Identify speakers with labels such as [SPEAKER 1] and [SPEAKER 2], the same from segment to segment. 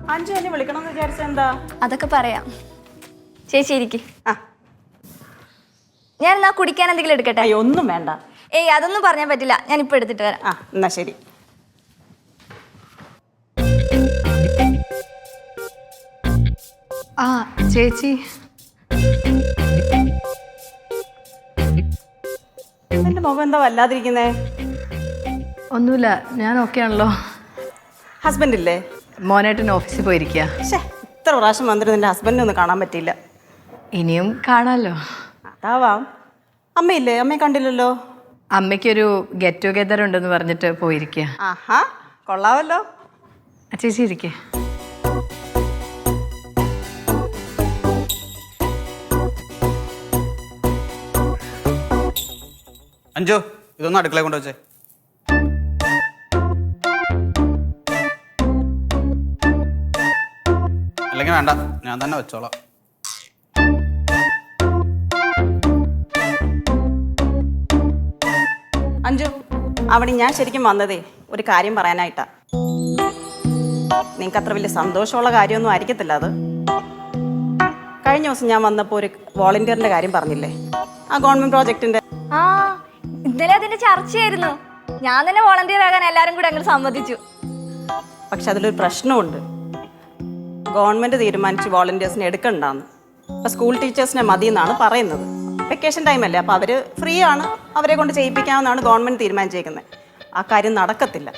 [SPEAKER 1] അഞ്ചു എന്നെ വിളിക്കണമെന്ന് വിചാരിച്ച എന്താ?
[SPEAKER 2] അതൊക്കെ പറയാം. ചേച്ചി ഇരിക്ക്.
[SPEAKER 1] ആ,
[SPEAKER 2] ഞാൻ എന്നാ കുടിക്കാൻ എന്തെങ്കിലും എടുക്കട്ടെ?
[SPEAKER 1] അയ്യോ ഒന്നും വേണ്ട.
[SPEAKER 2] ഏയ് അതൊന്നും പറഞ്ഞാൽ പറ്റില്ല, ഞാൻ ഇപ്പൊ എടുത്തിട്ട് വരാം.
[SPEAKER 1] ആ എന്നാ ശരി.
[SPEAKER 3] ആ ചേച്ചി,
[SPEAKER 1] എന്റെ മുഖം എന്താ വല്ലാതിരിക്കുന്നേ?
[SPEAKER 3] ഒന്നുമില്ല, ഞാൻ ഓക്കെ ആണല്ലോ.
[SPEAKER 1] ഹസ്ബൻഡ് ഇല്ലേ?
[SPEAKER 3] മോനേട്ടൻ ഓഫീസിൽ പോയിരിക്കുക.
[SPEAKER 1] പക്ഷേ ഇത്ര പ്രാവശ്യം വന്നിട്ട് നിന്റെ ഹസ്ബൻഡിനെ ഒന്നും കാണാൻ പറ്റിയില്ല.
[SPEAKER 3] ഇനിയും കാണാമല്ലോ.
[SPEAKER 1] അതാവാം. അമ്മയില്ലേ? അമ്മയെ കണ്ടില്ലല്ലോ.
[SPEAKER 3] അമ്മയ്ക്കൊരു ഗെറ്റ് ടുഗെദർ ഉണ്ടെന്ന് പറഞ്ഞിട്ട് പോയിരിക്കുക.
[SPEAKER 1] ആഹാ, കൊള്ളാവല്ലോ.
[SPEAKER 3] ചേച്ചി ഇരിക്കേ.
[SPEAKER 4] അഞ്ചു, ഇതൊന്നും അടുക്കള കൊണ്ട് വെച്ചേ. അല്ലെങ്കിൽ വേണ്ട, ഞാൻ തന്നെ വെച്ചോളാം.
[SPEAKER 1] അഞ്ചു, അവിടെ ഞാൻ ശരിക്കും വന്നതേ ഒരു കാര്യം പറയാനായിട്ടാ. നിങ്ങൾക്ക് അത്ര വലിയ സന്തോഷമുള്ള കാര്യമൊന്നും ആയിരിക്കത്തില്ല അത്. കഴിഞ്ഞ ദിവസം ഞാൻ വന്നപ്പോൾ ഒരു വോളണ്ടിയറിന്റെ കാര്യം പറഞ്ഞില്ലേ, ആ ഗവൺമെന്റ് പ്രോജക്റ്റിന്റെ.
[SPEAKER 2] ആ ഇന്നലെ അതിന്റെ ചർച്ചയായിരുന്നു. ഞാൻ തന്നെ വോളണ്ടിയർ ആകാൻ എല്ലാരും കൂടെ അങ്ങോട്ട് സമ്മതിച്ചു.
[SPEAKER 1] പക്ഷെ അതിലൊരു പ്രശ്നമുണ്ട്. ഗവൺമെന്റ് തീരുമാനിച്ച് വോളണ്ടിയേഴ്സിനെ എടുക്കണ്ടെന്ന്. ഇപ്പൊ സ്കൂൾ ടീച്ചേഴ്സിനെ മതി എന്നാണ് പറയുന്നത്. വെക്കേഷൻ ടൈമല്ലേ, അപ്പോൾ അവർ ഫ്രീ ആണ്, അവരെ കൊണ്ട് ചെയ്യിപ്പിക്കാമെന്നാണ് ഗവൺമെന്റ് തീരുമാനിച്ചേക്കുന്നത്. ആ കാര്യം നടക്കത്തില്ല.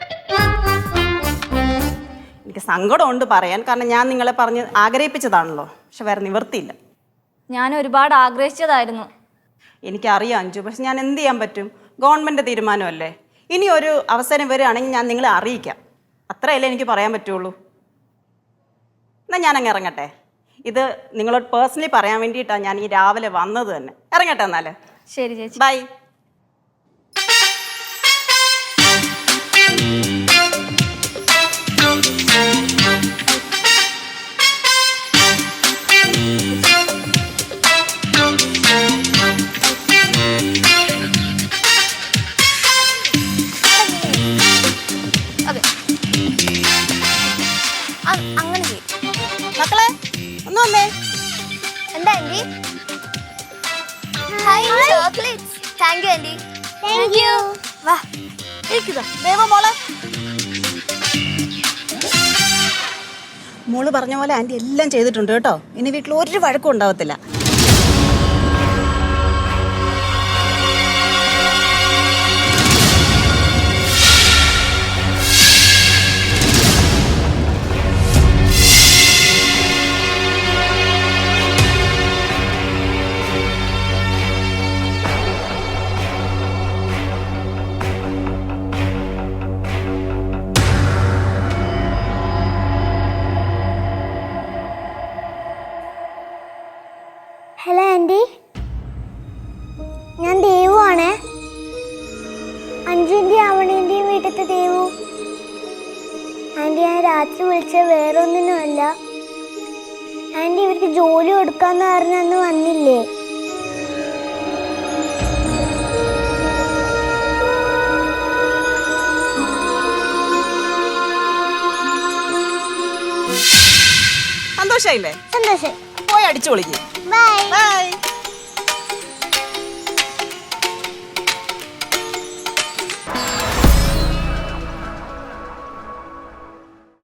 [SPEAKER 1] എനിക്ക് സങ്കടമുണ്ട് പറയാൻ, കാരണം ഞാൻ നിങ്ങളെ പറഞ്ഞ് ആഗ്രഹിപ്പിച്ചതാണല്ലോ. പക്ഷെ വേറെ നിവൃത്തിയില്ല.
[SPEAKER 2] ഞാൻ ഒരുപാട് ആഗ്രഹിച്ചതായിരുന്നു.
[SPEAKER 1] എനിക്കറിയാം അഞ്ചു, പക്ഷെ ഞാൻ എന്ത് ചെയ്യാൻ പറ്റും? ഗവൺമെന്റ് തീരുമാനമല്ലേ. ഇനി ഒരു അവസരം വരികയാണെങ്കിൽ ഞാൻ നിങ്ങളെ അറിയിക്കാം. അത്രയല്ലേ എനിക്ക് പറയാൻ പറ്റുള്ളൂ. എന്നാൽ ഞാനങ്ങ് ഇറങ്ങട്ടെ. ഇത് നിങ്ങളോട് പേഴ്സണലി പറയാൻ വേണ്ടിയിട്ടാണ് ഞാൻ ഈ രാവിലെ വന്നത് തന്നെ. ഇറങ്ങട്ടെ എന്നാൽ.
[SPEAKER 2] ശരി ചേച്ചി,
[SPEAKER 1] ബൈ.
[SPEAKER 2] അതെ അങ്ങനെ ചെയ്യും.
[SPEAKER 1] മക്കളെ ഒന്ന് വന്നേ.
[SPEAKER 2] എന്താ aunty? Chocolates. Thank you aunty. Thank you. വാ ഇരിക്കുക.
[SPEAKER 1] ദേവ മോളെ, മോള് പറഞ്ഞ പോലെ ആൻറ്റി എല്ലാം ചെയ്തിട്ടുണ്ട് കേട്ടോ. ഇനി വീട്ടിൽ ഒരു വഴക്കും ഉണ്ടാവത്തില്ല.
[SPEAKER 5] ഹലോ ആൻറ്റി, ഞാൻ ദേവു ആണേ. അഞ്ജുവിൻ്റെയും ആവണീൻ്റെയും വീട്ടിലത്തെ ദേവു. ആൻറ്റി, ഞാൻ രാത്രി വിളിച്ച വേറെ ഒന്നിനുമല്ല. ആൻറ്റി, ഇവർക്ക് ജോലി കൊടുക്കാന്ന് പറഞ്ഞന്ന് വന്നില്ലേ?
[SPEAKER 1] സന്തോഷായില്ലേ?
[SPEAKER 5] സന്തോഷം.
[SPEAKER 1] പോയി അടിച്ചു പൊളിക്കും.
[SPEAKER 5] ബൈ.
[SPEAKER 1] ബൈ.